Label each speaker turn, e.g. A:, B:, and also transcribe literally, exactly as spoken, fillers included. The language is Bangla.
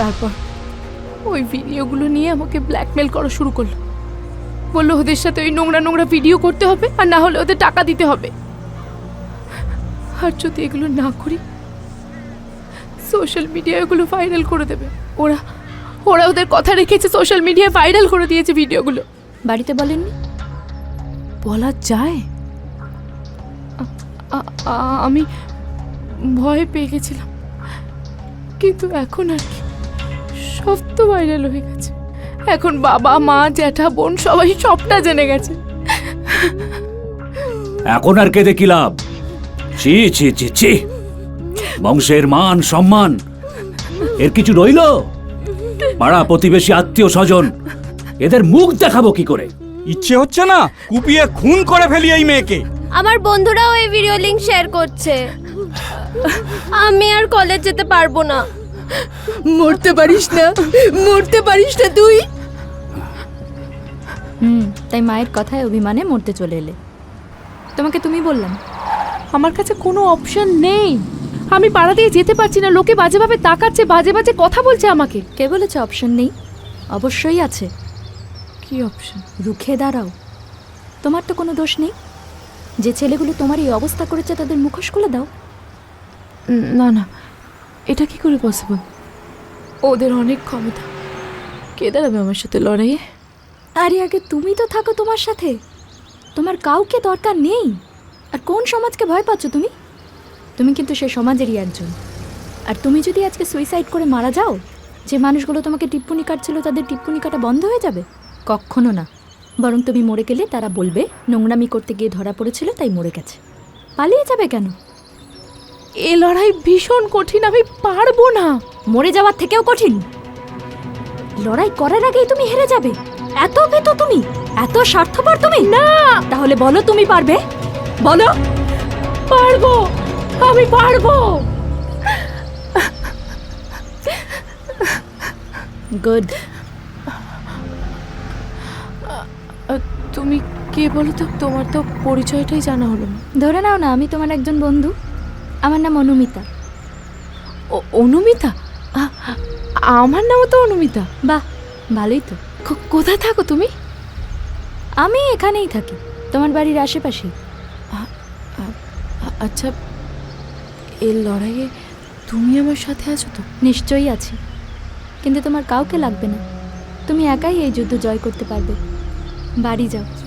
A: তারপর ওই ভিডিওগুলো নিয়ে আমাকে ব্ল্যাকমেল করা শুরু করলো। বললো ওদের সাথে ওই নোংরা নোংরা ভিডিও করতে হবে, আর না হলে ওদের টাকা দিতে হবে। আর যদি এগুলো না করি সোশ্যাল মিডিয়ায় এগুলো ভাইরাল করে দেবে। ওরা ওরা ওদের কথা রেখেছে, সোশ্যাল মিডিয়ায় ভাইরাল করে দিয়েছে ভিডিওগুলো।
B: বাড়িতে বলেননি?
A: বলা যায়? আ- আ- আ- আমি ভয় পেয়ে গেছিলাম, কিন্তু এখন আর কি, সব তো ভাইরাল হয়ে গেছে। এখন বাবা মা জ্যাঠা বোন সবাই সবটা জেনে গেছে।
C: এখন আর কেঁদে কি লাভ? ছি ছি ছি ছি, বংশের মান সম্মান এর কিছু রইল? পাড়া প্রতিবেশী আত্মীয় স্বজন এদের মুখ দেখাবো কি করে?
D: ইচ্ছে হচ্ছে না কুপিয়ে খুন করে ফেলি এই মেয়েকে।
E: আমার বন্ধুরাও এই ভিডিও লিংক শেয়ার করছে। আমি আর কলেজ যেতে পারবো না।
A: মরতে পারিস না, মরতে পারিস না তুই?
B: হুম, তাই মায়ের কথায় অভিমানে মরতে চলে এলে। তোমাকে তুমি বললাম।
A: আমার কাছে কোনো অপশন নেই। আমি পাড়া দিয়ে যেতে পারছি না, লোকে বাজেভাবে তাকাচ্ছে, বাজে বাজে কথা বলছে আমাকে।
B: কে বলেছে অপশন নেই? অবশ্যই আছে।
A: কি অপশন?
B: রুখে দাঁড়াও। তোমার তো কোনো দোষ নেই। যে ছেলেগুলো তোমার এই অবস্থা করেছে তাদের মুখোশ খুলে দাও।
A: না না, এটা কি করে পসিবল? ওদের অনেক ক্ষমতা, কে দাঁড়াবে আমার সাথে লড়াইয়ে?
B: আরে আগে তুমি তো থাকো তোমার সাথে। তোমার কাউকে দরকার নেই। আর কোন সমাজকে ভয় পাচ্ছ তুমি? তুমি কিন্তু সে সমাজেরই একজন। আর তুমি যদি আজকে সুইসাইড করে মারা যাও, যে মানুষগুলো তোমাকে টিপ্পনি কাটছিল তাদের টিপ্পনি কাটা বন্ধ হয়ে যাবে? কখনো না। বরং তুমি মরে গেলে তারা বলবে নোংরামি করতে গিয়ে ধরা পড়েছিল তাই মরে গেছে। পালিয়ে যাবে কেন?
A: এ লড়াই ভীষণ কঠিন, আমি পারবো না।
B: মরে যাওয়ার থেকেও কঠিন। লড়াই করার আগেই তুমি হেরে যাবে। এত ভীতু তুমি, এত স্বার্থপর তুমি।
A: না,
B: তাহলে বলো তুমি পারবে? বলো।
A: পারবো, আমি পারবো।
B: গুড।
A: তুমি কে বলো তো? তোমার তো পরিচয়টাই জানা হলো না।
B: ধরে নাও না আমি তোমার একজন বন্ধু। আমার নাম অনুমিতা।
A: ও অনুমিতা? আ- আমার নামও তো অনুমিতা।
B: বাহ, ভালোই তো।
A: কো- কোথায় থাকো তুমি?
B: আমি এখানেই থাকি, তোমার বাড়ির আশেপাশেই।
A: আ- আচ্ছা, এই লড়াইয়ে তুমি আমার সাথে আছো তো?
B: নিশ্চয়ই আছি, কিন্তু তোমার কাউকে লাগবে না। তুমি একাই এই যুদ্ধ জয় করতে পারবে। বাড়ি যাও।